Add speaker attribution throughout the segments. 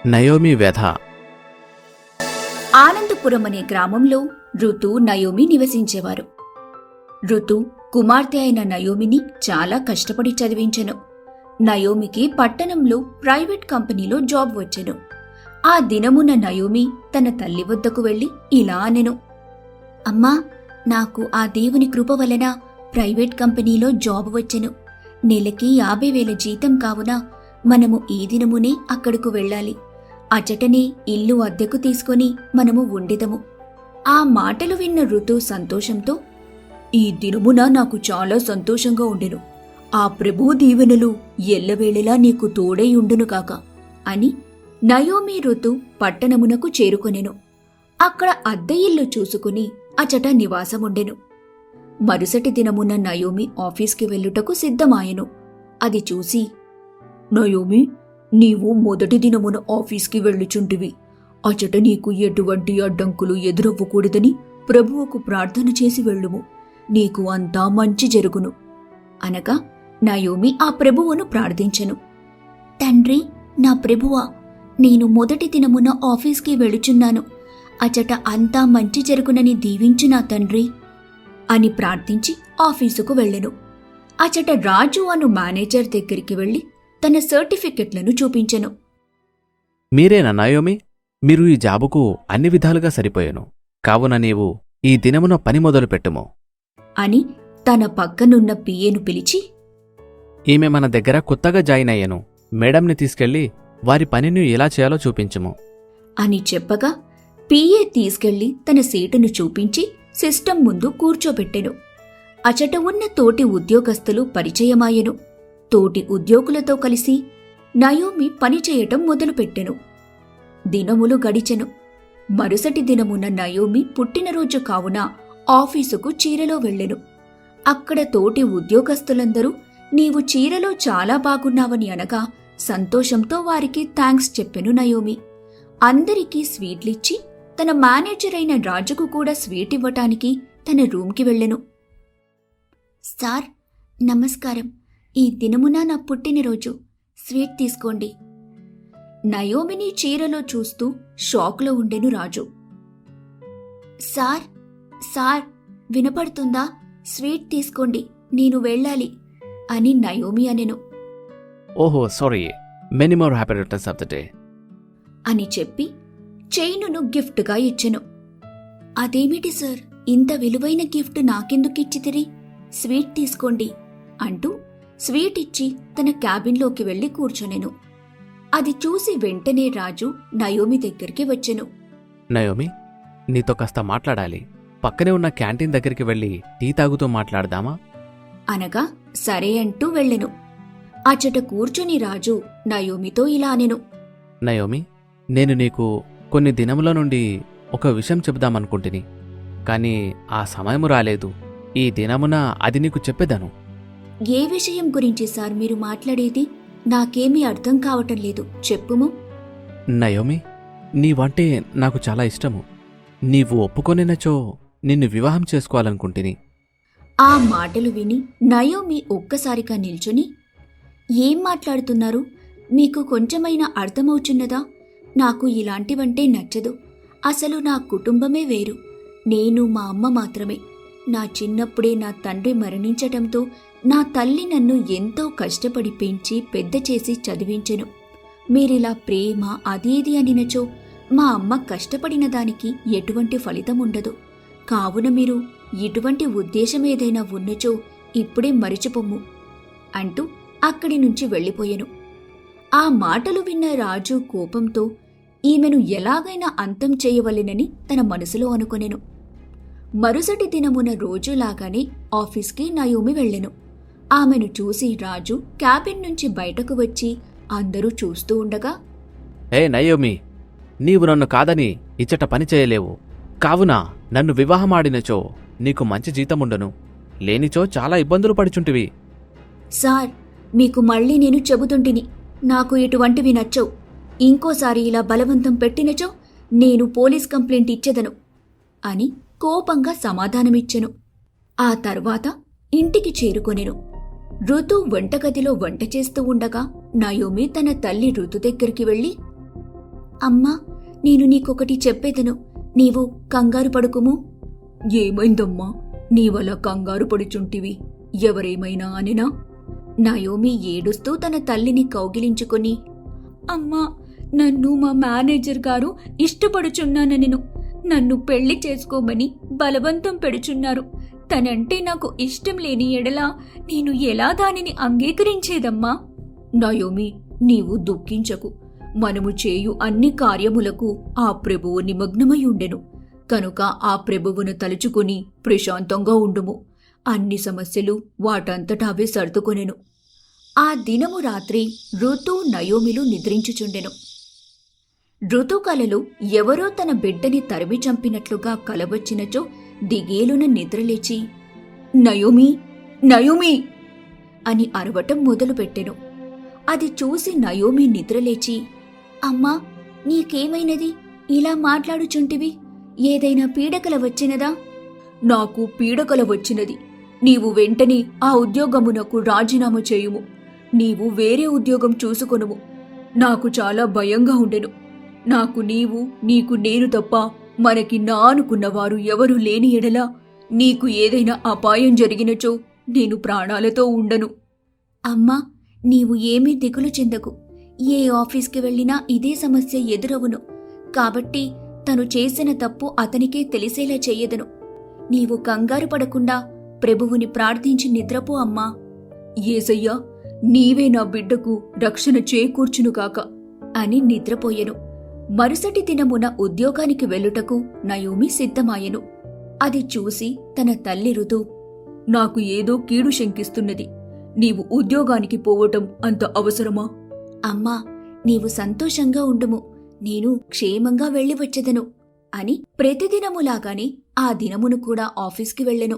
Speaker 1: Naomi వ్యధ.
Speaker 2: ఆనందపురం అనే గ్రామంలో ఋతు, నయోమి నివసించేవారు. ఋతు కుమార్తె అయిన నయోమిని చాలా కష్టపడి చదివించెను. నయోమికి పట్టణంలో ప్రైవేట్ కంపెనీలో జాబ్ వచ్చెను. ఆ దినమున నయోమి తన తల్లి వద్దకు వెళ్లి ఇలా అనెను, అమ్మా, నాకు ఆ దేవుని కృప వలన ప్రైవేట్ కంపెనీలో జాబ్ వచ్చెను. నెలకి 50,000 జీతం కావున మనము ఈ దినమునే అక్కడకు వెళ్ళాలి. అచటనే ఇల్లు అద్దెకు తీసుకొని మనము ఉండెదము. ఆ మాటలు విన్న ఋతు సంతోషంతో, ఈ దినమున నాకు చాలా సంతోషంగా ఉండెను. ఆ ప్రభువు దీవెనలు ఎల్లవేళలా నీకు తోడై ఉండును కాక అని నయోమి ఋతు పట్టణమునకు చేరుకొనెను. అక్కడ అద్దె ఇల్లు చూసుకుని అచట నివాసముండెను. మరుసటి దినమున నయోమి ఆఫీస్కి వెళ్ళుటకు సిద్ధమాయెను. అది చూసి, నయోమి, నీవు మొదటి దినమున ఆఫీస్కి వెళ్ళుచుంటివి. అచట నీకు ఎటువంటి అడ్డంకులు ఎదురవ్వకూడదని ప్రభువుకు ప్రార్థన చేసి వెళ్ళుము. నీకు అంతా మంచి జరుగును అనగా నయోమి ఆ ప్రభువును ప్రార్థించెను. తండ్రి, నా ప్రభువా, నేను మొదటి దినమున ఆఫీస్కి వెళుచున్నాను. అచట అంతా మంచి జరుగునని దీవించు నా తండ్రి అని ప్రార్థించి ఆఫీసుకు వెళ్ళెను. అచట రాజు అను మేనేజర్ దగ్గరికి వెళ్లి తన సర్టిఫికెట్లను చూపించెను.
Speaker 1: మీరేనా నయోమి? మీరు ఈ జాబుకు అన్ని విధాలుగా సరిపోయెను. కావున నీవు ఈ దినమున పని మొదలు పెట్టుము
Speaker 2: అని తన పక్కనున్న పిఏను పిలిచి,
Speaker 1: ఈమె మన దగ్గర కొత్తగా జాయిన్ అయ్యను. మేడంని తీసుకెళ్లి వారి పనిని ఎలా చేయాలో చూపించుము
Speaker 2: అని చెప్పగా పిఏ తీసుకెళ్లి తన సీటును చూపించి సిస్టం ముందు కూర్చోబెట్టెను. అచట ఉన్న తోటి ఉద్యోగస్తులు పరిచయమాయెను. తోటి ఉద్యోగులతో కలిసి నయోమి పనిచేయటం మొదలుపెట్టెను. దినములు గడిచెను. మరుసటి దినమున నయోమి పుట్టినరోజు కావున ఆఫీసుకు చీరలో వెళ్ళెను. అక్కడ తోటి ఉద్యోగస్తులందరూ నీవు చీరలో చాలా బాగున్నావని అనగా సంతోషంతో వారికి థాంక్స్ చెప్పెను నయోమి. అందరికీ స్వీట్లిచ్చి తన మేనేజర్ అయిన రాజుకు కూడా స్వీట్ ఇవ్వటానికి తన రూమ్కి వెళ్ళెను. సార్, నమస్కారం. ఈ దినమున నా పుట్టినరోజు. స్వీట్ తీసుకోండి. నయోమిని చీరలో చూస్తూ షాక్లో ఉండెను రాజు. సార్, సార్, వినపడుతుందా? స్వీట్ తీసుకోండి, నేను వెళ్ళాలి అని నయోమి అనెను.
Speaker 1: ఓహో, sorry, many more happy returns of the day
Speaker 2: అని చెప్పి చైనును గిఫ్ట్గా ఇచ్చెను. అదేమిటి సార్, ఇంత విలువైన గిఫ్ట్ నాకెందుకిచ్చితిరి? స్వీట్ తీసుకోండి అంటూ స్వీట్ ఇచ్చి తన క్యాబిన్లోకి వెళ్లి కూర్చొనెను. అది చూసి వెంటనే రాజు నయోమి దగ్గరికి వచ్చెను.
Speaker 1: నయోమి, నీతో కాస్త మాట్లాడాలి. పక్కనే ఉన్న క్యాంటీన్ దగ్గరికి వెళ్ళి టీ తాగుతూ మాట్లాడదామా
Speaker 2: అనగా సరే అంటూ వెళ్ళెను. అచట కూర్చొని రాజు నయోమితో ఇలా అనెను.
Speaker 1: నయోమి, నేను నీకు కొన్ని దినముల నుండి ఒక విషయం చెబుదామనుకుంటుని, కాని ఆ సమయము రాలేదు. ఈ దినమున అది నీకు చెప్పేదను.
Speaker 2: ఏ విషయం గురించి సార్ మీరు మాట్లాడేది? నాకేమీ అర్థం కావటం లేదు, చెప్పుము.
Speaker 1: నయోమి, నీవంటే నాకు చాలా ఇష్టము. నీవు ఒప్పుకొనినచో నిన్ను వివాహం చేసుకోవాలనుకుంటుని.
Speaker 2: ఆ మాటలు విని నయోమి ఒక్కసారిగా నిల్చుని, ఏం మాట్లాడుతున్నారు? మీకు కొంచెమైనా అర్థమవుచున్నదా? నాకు ఇలాంటివంటే నచ్చదు. అసలు నా కుటుంబమే వేరు. నేను మా అమ్మ మాత్రమే. నా చిన్నప్పుడే నా తండ్రి మరణించటంతో నా తల్లి నన్ను ఎంతో కష్టపడి పెంచి పెద్ద చేసి చదివించెను. మీరిలా ప్రేమ అదేది అనినచో మా అమ్మ కష్టపడిన దానికి ఎటువంటి ఫలితం ఉండదు. కావున మీరు ఇటువంటి ఉద్దేశమేదైనా ఉన్నచో ఇప్పుడే మరిచిపోమ్ము అంటూ అక్కడి నుంచి వెళ్ళిపోయెను. ఆ మాటలు విన్న రాజు కోపంతో ఈమెను ఎలాగైనా అంతం చేయవలెనని తన మనసులో అనుకొనెను. మరుసటి దినమున రోజులాగానే ఆఫీస్కి నయోమి వెళ్ళెను. ఆమెను చూసి రాజు క్యాబిన్ నుంచి బయటకు వచ్చి అందరూ చూస్తూ ఉండగా,
Speaker 1: ఏ నయోమి, నీవు నన్ను కాదని ఇచ్చట పని చేయలేవు. కావున నన్ను వివాహమాడినచో నీకు మంచి జీతముండను. లేనిచో చాలా ఇబ్బందులు పడుచుంటివి.
Speaker 2: సార్, మీకు మళ్ళీ నేను చెబుతుంటిని, నాకు ఇటువంటివి నచ్చవు. ఇంకోసారి ఇలా బలవంతం పెట్టినచో నేను పోలీస్ కంప్లైంట్ ఇచ్చెదను అని కోపంగా సమాధానమిచ్చెను. ఆ తర్వాత ఇంటికి చేరుకొనెను. ఋతు వంటగదిలో వంట చేస్తూ ఉండగా నయోమి తన తల్లి ఋతు దగ్గరికి వెళ్ళి, అమ్మా, నేను నీకొకటి చెప్పేదను, నీవు కంగారు పడుకుము. ఏమైందమ్మా, నీవలా కంగారు పడుచుంటివి? ఎవరేమైనా అనినా? నయోమి ఏడుస్తూ తన తల్లిని కౌగిలించుకొని, అమ్మా, నన్ను మా మేనేజర్ గారు ఇష్టపడుచున్నానెను. నన్ను పెళ్లి చేసుకోమని బలవంతం పెడుచున్నారు. తనంటే నాకు ఇష్టం లేని ఎడలా నేను ఎలా దానిని అంగీకరించేదమ్మా? నయోమి, నీవు దుఃఖించకు. మనము చేయు అన్ని కార్యములకు ఆ ప్రభువు నిమగ్నమయుండెను. కనుక ఆ ప్రభువును తలుచుకుని ప్రశాంతంగా ఉండుము. అన్ని సమస్యలు వాటంతటా అవే సర్దుకొనెను. ఆ దినము రాత్రి ఋతు నయోమిలు నిద్రించుచుండెను. ఋతు కలలో ఎవరో తన బిడ్డని తరిమి చంపినట్లుగా కలవచ్చినచో దిగేలున నిద్రలేచి, నయోమి, నయోమి అని అరవటం మొదలుపెట్టెను. అది చూసి నయోమి నిద్రలేచి, అమ్మా, నీకేమైనది? ఇలా మాట్లాడుచుంటివి? ఏదైనా పీడకల వచ్చినదా? నాకు పీడకల వచ్చినది. నీవు వెంటనే ఆ ఉద్యోగమునకు రాజీనామా చేయుము. నీవు వేరే ఉద్యోగం చూసుకొనుము. నాకు చాలా భయంగా ఉండెను. నాకు నీవు, నీకు నేను తప్ప మనకి నా అనుకున్నవారు ఎవరూ లేని ఎడలా నీకు ఏదైనా అపాయం జరిగినచో నేను ప్రాణాలతో ఉండను. అమ్మా, నీవు ఏమీ దిగులు చెందకు. ఏ ఆఫీస్కి వెళ్ళినా ఇదే సమస్య ఎదురవును. కాబట్టి తను చేసిన తప్పు అతనికే తెలిసేలా చెయ్యదను. నీవు కంగారు పడకుండా ప్రభువుని ప్రార్థించి నిద్రపో అమ్మా. యేసయ్యా, నీవే నా బిడ్డకు రక్షణ చేకూర్చును కాక అని నిద్రపోయెను. మరుసటి దినమున ఉద్యోగానికి వెళ్ళుటకు నయోమి సిద్ధమాయెను. అది చూసి తన తల్లి ఋతు, నాకు ఏదో కీడు శంకిస్తున్నది. నీవు ఉద్యోగానికి పోవటం అంత అవసరమా? అమ్మా, నీవు సంతోషంగా ఉండుము. నేను క్షేమంగా వెళ్ళి వచ్చెదను అని ప్రతిదినములాగానే ఆ దినమును కూడా ఆఫీస్కి వెళ్ళెను.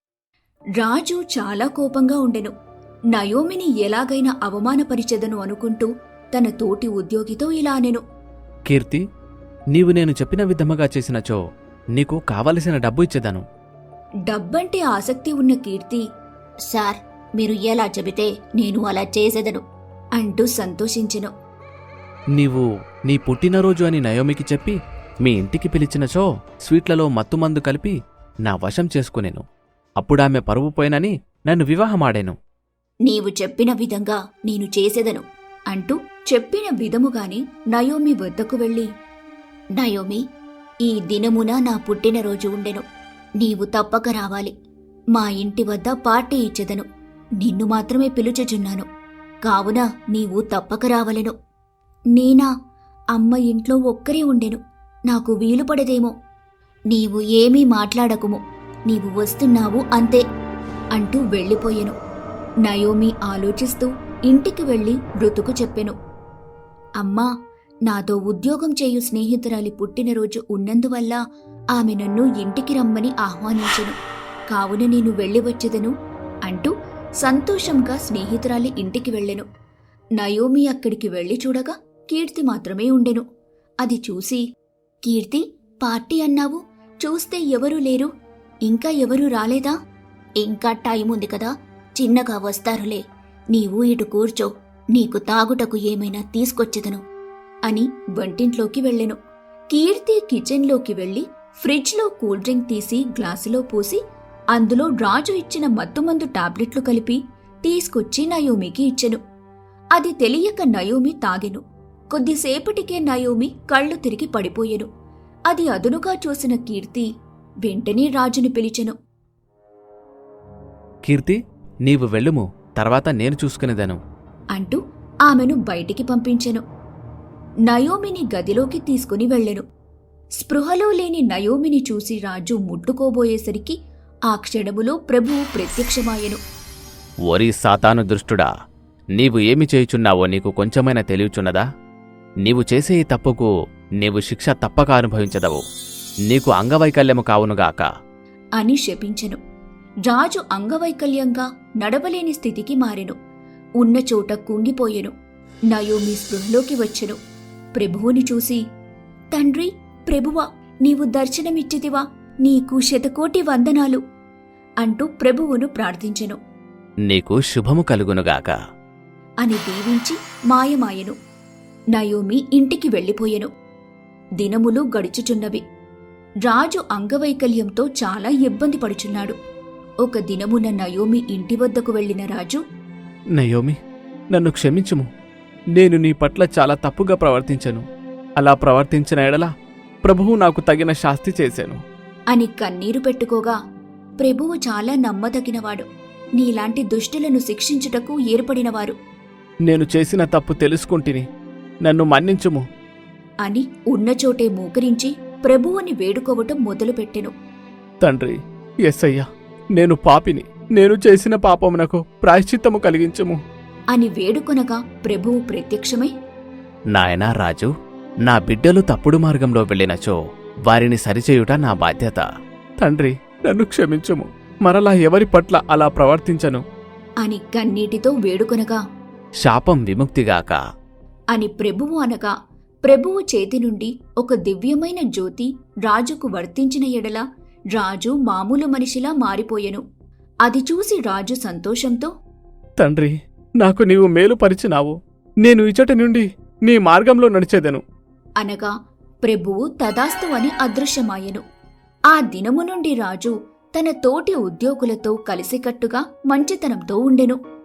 Speaker 2: రాజు చాలా కోపంగా ఉండెను. నయోమిని ఎలాగైనా అవమానపరిచెదను అనుకుంటూ తన తోటి ఉద్యోగితో ఇలా అనెను,
Speaker 1: కీర్తి, నీవు నేను చెప్పిన విధముగా చేసినచో నీకు కావలసిన డబ్బు ఇచ్చేదను.
Speaker 2: డబ్బంటే ఆసక్తి ఉన్న కీర్తి, సార్, మీరు ఎలా చెబితే నేను అలా చేసేదను అంటూ సంతోషించెను.
Speaker 1: నీవు నీ పుట్టినరోజు అని నయోమికి చెప్పి మీ ఇంటికి పిలిచినచో స్వీట్లలో మత్తుమందు కలిపి నా వశం చేసుకునేను. అప్పుడామె పరువు పోయినని నన్ను వివాహమాడేను.
Speaker 2: నీవు చెప్పిన విధంగా నేను చేసేదను అంటూ చెప్పిన విధముగాని నయోమి వద్దకు వెళ్ళి, నయోమి, ఈ దినమున నా పుట్టినరోజు ఉండెను. నీవు తప్పక రావాలి. మా ఇంటి వద్ద పార్టీ ఇచ్చెదను. నిన్ను మాత్రమే పిలుచుచున్నాను. కావున నీవు తప్పక రావలెను. నేనా? అమ్మ ఇంట్లో ఒక్కరే ఉండెను. నాకు వీలు పడదేమో. నీవు ఏమీ మాట్లాడకుము. నీవు వస్తున్నావు అంతే అంటూ వెళ్ళిపోయెను. నయోమి ఆలోచిస్తూ ఇంటికి వెళ్లి ఋతుకు చెప్పెను, అమ్మా, నాతో ఉద్యోగం చేయు స్నేహితురాలి పుట్టినరోజు ఉన్నందువల్ల ఆమె నన్ను ఇంటికి రమ్మని ఆహ్వానించెను. కావున నేను వెళ్ళి వచ్చెదను అంటూ సంతోషంగా స్నేహితురాలి ఇంటికి వెళ్ళెను. నయోమి అక్కడికి వెళ్లి చూడగా కీర్తి మాత్రమే ఉండెను. అది చూసి, కీర్తి, పార్టీ అన్నావు, చూస్తే ఎవరూ లేరు. ఇంకా ఎవరూ రాలేదా? ఇంకా టైం ఉంది కదా, చిన్నగా వస్తారులే. నీవు ఇటు కూర్చో, నీకు తాగుటకు ఏమైనా తీసుకొచ్చెదను అని వంటింట్లోకి వెళ్ళెను. కీర్తి కిచెన్లోకి వెళ్లి ఫ్రిడ్జ్లో కూల్ డ్రింక్ తీసి గ్లాసులో పోసి అందులో రాజు ఇచ్చిన మత్తుమందు టాబ్లెట్లు కలిపి తీసుకొచ్చి నయోమికి ఇచ్చెను. అది తెలియక నయోమి తాగెను. కొద్దిసేపటికే నయోమి కళ్ళు తిరిగి పడిపోయెను. అది అదునుగా చూసిన కీర్తి వెంటనే రాజును పిలిచెను.
Speaker 1: కీర్తి, నీవు వెళ్ళుము, తర్వాత నేను చూసుకునేదను
Speaker 2: అంటూ ఆమెను బయటికి పంపించెను. నయోమిని గదిలోకి తీసుకుని వెళ్ళెను. స్పృహలో లేని నయోమిని చూసి రాజు ముట్టుకోబోయేసరికి ఆ క్షణములో ప్రభువు ప్రత్యక్షమాయెను.
Speaker 1: ఓరి సాతాను దుష్టుడా, నీవు ఏమి చేయుచున్నావో నీకు కొంచెమైనా తెలియచున్నదా? నీవు చేసే ఈ తప్పుకు నీవు శిక్ష తప్పక అనుభవించదవు. నీకు అంగవైకల్యము కావునుగాక
Speaker 2: అని శపించెను. రాజు అంగవైకల్యంగా నడవలేని స్థితికి మారెను. ఉన్న చోట కుంగిపోయెను. నయోమి స్పృహలోకి వచ్చెను. ప్రభువుని చూసి, తండ్రి, ప్రభువా, నీవు దర్శనమిచ్చితివా? నీకు శతకోటి వందనాలు అంటూ ప్రభువును ప్రార్థించెను.
Speaker 1: నీకు శుభము కలుగునుగాక
Speaker 2: అని దీవించి మాయమాయెను. నయోమి ఇంటికి వెళ్ళిపోయెను. దినములు గడుచుచున్నవి. రాజు అంగవైకల్యంతో చాలా ఇబ్బంది పడుచున్నాడు. ఒక దినమున నయోమి ఇంటి వద్దకు వెళ్లిన రాజు,
Speaker 1: నయోమి, నన్ను క్షమించుము. నేను నీ పట్ల చాలా తప్పుగా ప్రవర్తించను. అలా ప్రవర్తించిన ఎడల ప్రభువు నాకు తగిన శాస్తి చేశాను
Speaker 2: అని కన్నీరు పెట్టుకోగా, ప్రభువు చాలా నమ్మదగినవాడు. నీలాంటి దుష్టులను శిక్షించుటకు ఏర్పడినవారు
Speaker 1: నేను చేసిన తప్పు తెలుసుకుంటిని. నన్ను మన్నించుము.
Speaker 2: అని ఉన్నచోటే మూకరించి ప్రభువుని వేడుకోవటం మొదలుపెట్టెను.
Speaker 1: తండ్రి యేసయ్యా, నేను పాపిని. నేను చేసిన పాపమునకు ప్రాయశ్చిత్తము కలిగించుము
Speaker 2: అని వేడుకొనగా ప్రభువు ప్రత్యక్షమై,
Speaker 1: నాయనా రాజు, నా బిడ్డలు తప్పుడు మార్గంలో వెళ్ళినచో వారిని సరిచేయుట నా బాధ్యత. తండ్రి, నన్ను క్షమించుము. మరలా ఎవరి పట్ల అలా ప్రవర్తించను
Speaker 2: అని కన్నీటితో వేడుకొనగా,
Speaker 1: శాపం విముక్తిగాక
Speaker 2: అని ప్రభువు అనగా, ప్రభువు చేతి నుండి ఒక దివ్యమైన జ్యోతి రాజుకు వర్తించిన ఎడల రాజు మామూలు మనిషిలా మారిపోయెను. అది చూసి రాజు సంతోషంతో,
Speaker 1: తండ్రి, నాకు నీవు మేలుపరిచినావు. నేను ఇచటి నుండి నీ మార్గంలో నడిచెదను
Speaker 2: అనగా ప్రభువు తదాస్తు అని అదృశ్యమాయెను. ఆ దినము నుండి రాజు తన తోటి ఉద్యోగులతో కలిసికట్టుగా మంచితనంతో ఉండెను.